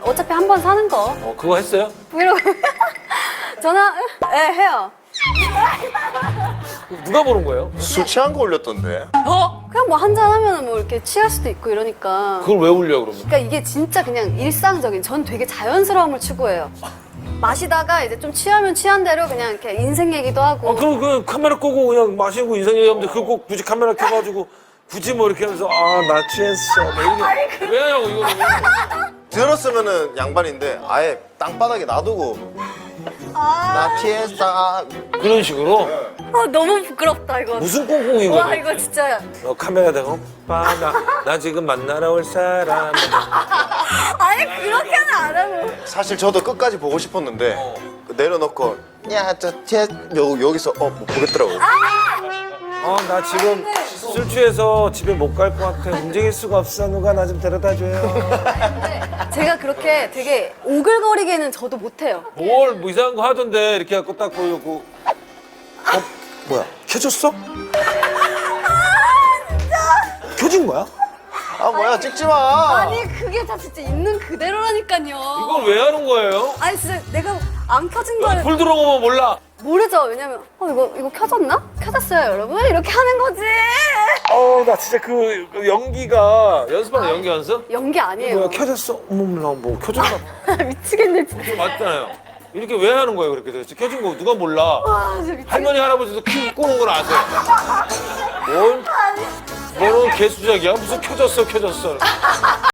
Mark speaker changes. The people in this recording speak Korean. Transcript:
Speaker 1: 어차피 한 번 사는 거.
Speaker 2: 그거 했어요?
Speaker 1: 이러고 전화 해요.
Speaker 2: 누가 보는 거예요?
Speaker 3: 술 취한 거 올렸던데.
Speaker 1: 그냥 뭐 한잔 하면 뭐 이렇게 취할 수도 있고 이러니까.
Speaker 2: 그걸 왜 올려 그러면?
Speaker 1: 그러니까 이게 진짜 그냥 일상적인, 전 되게 자연스러움을 추구해요. 마시다가 이제 좀 취하면 취한 대로 그냥 이렇게 인생 얘기도 하고.
Speaker 2: 그럼 그 카메라 끄고 그냥 마시고 인생 얘기하면 돼. 그거 꼭 굳이 카메라 켜가지고 굳이 뭐 이렇게 하면서 나 취했어. 뭐 이렇게 왜 하냐고 이거는.
Speaker 3: 들었으면은 양반인데 아예 땅바닥에 놔두고 나 취했어.
Speaker 2: 그런 식으로
Speaker 1: 너무 부끄럽다 이거.
Speaker 2: 무슨 꽁꽁이거든.
Speaker 1: 와 이거 진짜.
Speaker 2: 카메라 대고 오빠 나 지금 만나러 올 사람.
Speaker 1: 아니 그렇게는 안 하고.
Speaker 3: 사실 저도 끝까지 보고 싶었는데 내려놓고 야저 여기서 못 보겠더라고.
Speaker 2: 나 지금 술 취해서 집에 못 갈 것 같아. 움직일 수가 없어. 누가 나 좀 데려다 줘요.
Speaker 1: 제가 그렇게 되게 오글거리게는 저도 못해요.
Speaker 2: 뭘 뭐 이상한 거 하던데 이렇게 갖고 딱 보여고. 뭐야? 켜졌어? 켜진 거야?
Speaker 3: 아 뭐야 찍지 마.
Speaker 1: 아니 그게 다 진짜 있는 그대로라니까요.
Speaker 2: 이걸 왜 하는 거예요?
Speaker 1: 아니 진짜 내가 안 켜진 거를
Speaker 2: 불 들어오면 몰라.
Speaker 1: 모르죠. 왜냐면 이거 켜졌나? 켜졌어요 여러분? 이렇게 하는 거지.
Speaker 2: 나 진짜 그 연기가 연습하는 연기 연습?
Speaker 1: 연기 아니에요.
Speaker 2: 뭐야 켜졌어? 어머나 뭐 켜졌나?
Speaker 1: 미치겠네 진짜.
Speaker 2: 맞잖아요. 이렇게 왜 하는 거예요 그렇게 도대체? 켜진 거 누가 몰라?
Speaker 1: 아 진짜 미치겠네.
Speaker 2: 할머니 할아버지도 끄는 걸 아세요? 뭐는 개수작이야? 무슨 켜졌어.